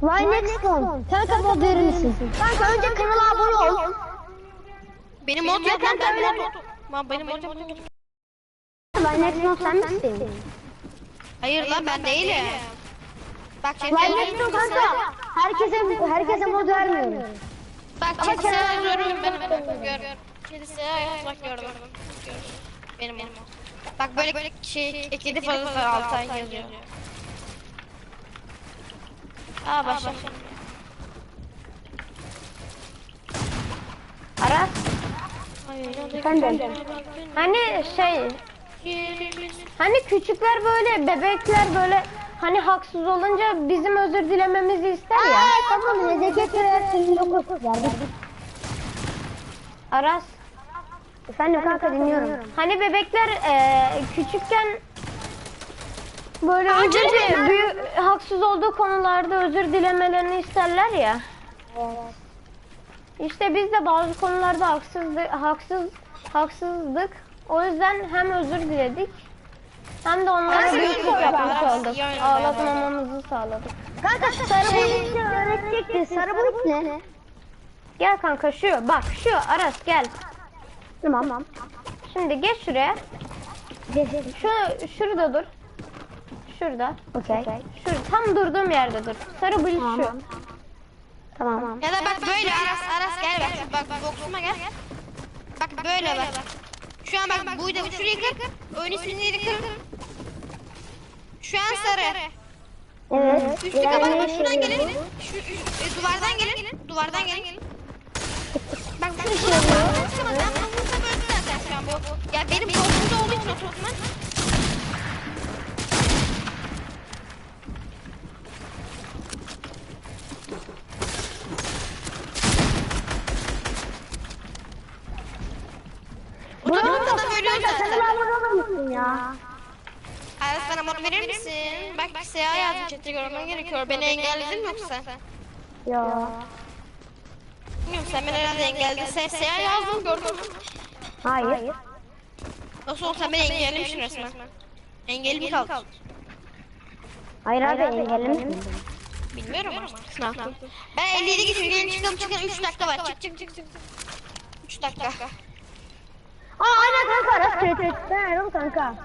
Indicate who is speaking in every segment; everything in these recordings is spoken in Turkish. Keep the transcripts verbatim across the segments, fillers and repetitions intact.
Speaker 1: Why next one? Kanka mod verir misin? Kanka önce kanala abone ol.
Speaker 2: Benim mod yok lan, ben mod yok. Benim mod yok.
Speaker 1: Why next one sen misin?
Speaker 2: Hayır lan, ben değilim. Bak
Speaker 1: Why next one kanka? Herkese herkese mod vermiyorum.
Speaker 2: Bak çetesi yazıyorum benim. Gör. Çetesi yazmak gördüm. Benim benim. Bak böyle böyle şey ekledi fazla fazla altı ay yazıyor. Aa başla.
Speaker 3: Aras.
Speaker 1: Efendim?
Speaker 3: Hani şey, hani küçükler böyle, bebekler böyle, hani haksız olunca bizim özür dilememizi ister ya.
Speaker 1: Aa tamam nezeket reaksiyonu yok.
Speaker 3: Aras.
Speaker 1: Efendim kanka dinliyorum.
Speaker 3: Hani bebekler e, küçükken böyle özür dile, büyük haksız olduğu konularda özür dilemelerini isterler ya. İşte biz de bazı konularda haksızlık, haksız, haksızdık. O yüzden hem özür diledik hem de onlara büyüklük yapmış olduk. Ağlatmamamızı sağladık.
Speaker 1: Kanka sarı boyut öğretecekti. Sarı boyut ne?
Speaker 3: Gel kanka şu, bak şu Aras gel.
Speaker 1: Tamam.
Speaker 3: Şimdi geç şuraya. Şu şurada dur. Şurada.
Speaker 1: Okey.
Speaker 3: Şurada tam durduğum yerde dur. Sarı boyut şu.
Speaker 1: Tamam.
Speaker 2: Ya da bak böyle Aras Aras gel bak bak bak boksuma gel. Bak böyle bak. Şu an bak buydu şurayı kır. Oyun ismini kır. Şu an sarı.
Speaker 1: Evet.
Speaker 2: Üstü kapalı bak şuradan gelin. Şu, şu e, duvardan gelin. Duvardan gelin. Bak bak şuradan bak. Çıkamaz. Ben bunu vursam öldü zaten şu an bu. Ya benim boksumda olduğu için oturtma. Bu tarafta da ölüyor zaten.
Speaker 1: Ya.
Speaker 2: Aras bana mod verir misin? Bak siyah yazdım chat'te görmen gerekiyor. Beni engelledin mi yoksa?
Speaker 1: Ya.
Speaker 2: Bilmiyorum sen beni herhalde engelledin. Sen siyah yazdım gördün mü?
Speaker 1: Hayır.
Speaker 2: Nasıl olsa beni engellemişsin resmen. Engelli mi kaldı?
Speaker 1: Hayır abi engellemişsin.
Speaker 2: Bilmiyorum ama. Sınav. Ben elli yedi geçiyorum. Gelin çıkalım çıkalım. üç dakika var. Çık çık çık çık. üç dakika.
Speaker 1: Aa aynen kanka Aras kredi. Ben arıyorum kanka.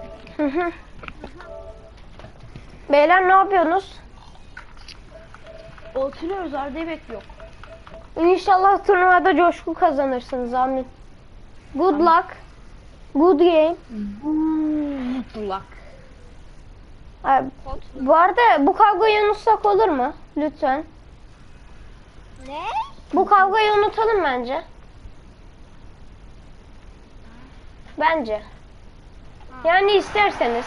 Speaker 3: Beyler ne yapıyorsunuz?
Speaker 1: Oturuyoruz Arda'yı bekliyor.
Speaker 3: İnşallah turnuvada coşku kazanırsınız amin. Good luck. Good game.
Speaker 1: Good luck.
Speaker 3: Abi, bu arada bu kavgayı unutsak olur mu? Lütfen.
Speaker 2: Ne?
Speaker 3: Bu kavgayı unutalım bence. Bence. Yani isterseniz.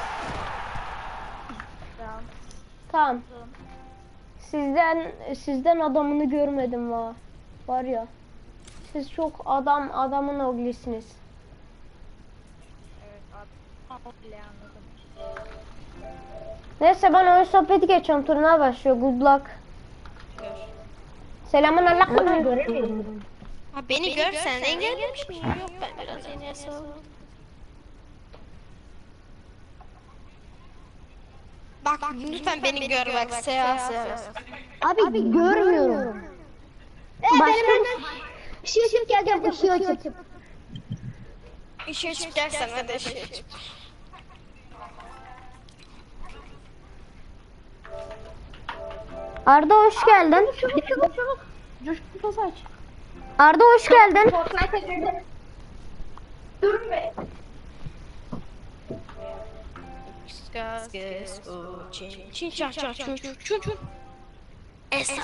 Speaker 3: Tamam. Sizden sizden adamını görmedim va. Var ya. Siz çok adam adamın oglisiniz. Neyse ben oyun sohbeti geçiyorum. Turnuva başlıyor. Good luck. Selamun aleyküm.
Speaker 2: Ha beni görsen engellemiş miyim? Yok ben biraz yeni yasalım. Bak lütfen beni gör bak siyah siyah.
Speaker 1: Abi, görmüyorum.
Speaker 3: Başka
Speaker 1: Işığı açıp geleceğim ışığı açıp.
Speaker 2: İşe çık dersen hadi işe çık.
Speaker 3: Arda hoş geldin.
Speaker 1: Çabuk çabuk çabuk. Coşkun pas aç.
Speaker 3: Arda hoş geldin.
Speaker 1: Dur be.
Speaker 2: Çin çin çin çin çin çin çin. Esa.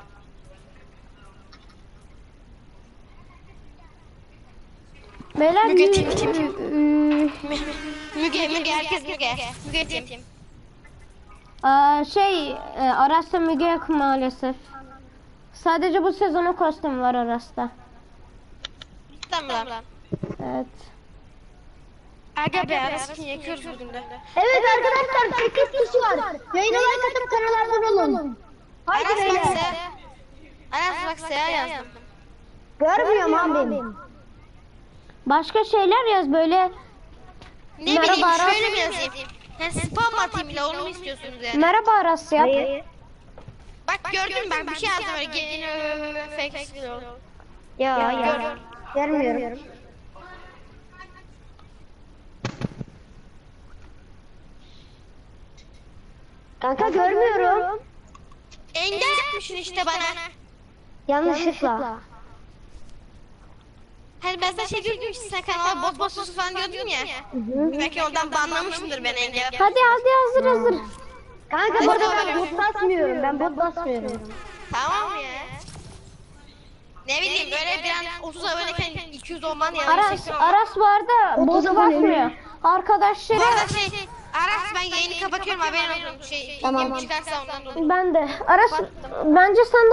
Speaker 3: Beyler
Speaker 2: Müge
Speaker 3: bir-
Speaker 2: tim tim tim.
Speaker 3: Ü-
Speaker 2: Müge Müge herkes Müge. Müge tim.
Speaker 3: Aa, şey e, Aras'ta Müge yok maalesef. Sadece bu sezonun kostümü var Aras'ta.
Speaker 2: Tamam.
Speaker 3: Evet.
Speaker 2: Aga be arasını yakıyoruz bugün de.
Speaker 1: Evet arkadaşlar sekiz kişi var. Yayına like atıp kanala abone olun. Haydi
Speaker 2: Aras bak
Speaker 1: beyler.
Speaker 2: se. Aras bak siyah yazdım.
Speaker 1: Görmüyorum abi benim.
Speaker 3: Başka şeyler yaz böyle.
Speaker 2: Ne
Speaker 3: Merhaba
Speaker 2: bileyim
Speaker 3: Aras.
Speaker 2: şöyle mi yazayım? Yani spam atayım bile onu mu istiyorsunuz yani?
Speaker 3: Merhaba Aras yap.
Speaker 2: Bak gördün mü bak bir şey yazdı böyle gelin fake skill.
Speaker 3: Ya
Speaker 2: Gör,
Speaker 3: ya.
Speaker 2: gör.
Speaker 3: Görmüyorum. Kanka görmüyorum.
Speaker 2: Engel yapmışsın işte bana.
Speaker 3: Yanlışlıkla.
Speaker 2: Hani ben sana şey diyordum işte sen kanala bot bot sus falan diyordun ya. Belki oradan banlamışsındır beni engel.
Speaker 3: Hadi hadi hazır hazır. Kanka
Speaker 2: Hadi
Speaker 3: burada
Speaker 2: bakalım.
Speaker 3: ben bot basmıyorum. Ben bot basmıyorum.
Speaker 2: Tamam ya. Ne bileyim böyle bir an otuz aboneyken iki yüz olman yani.
Speaker 3: Aras Aras bu arada bot basmıyor. Arkadaşları
Speaker 2: Bu arada şey Aras ben yayını kapatıyorum haberin olsun. Şey
Speaker 3: Tamam.
Speaker 2: tamam. Çıkarsa ondan dolayı.
Speaker 3: ben de. Aras bence sen de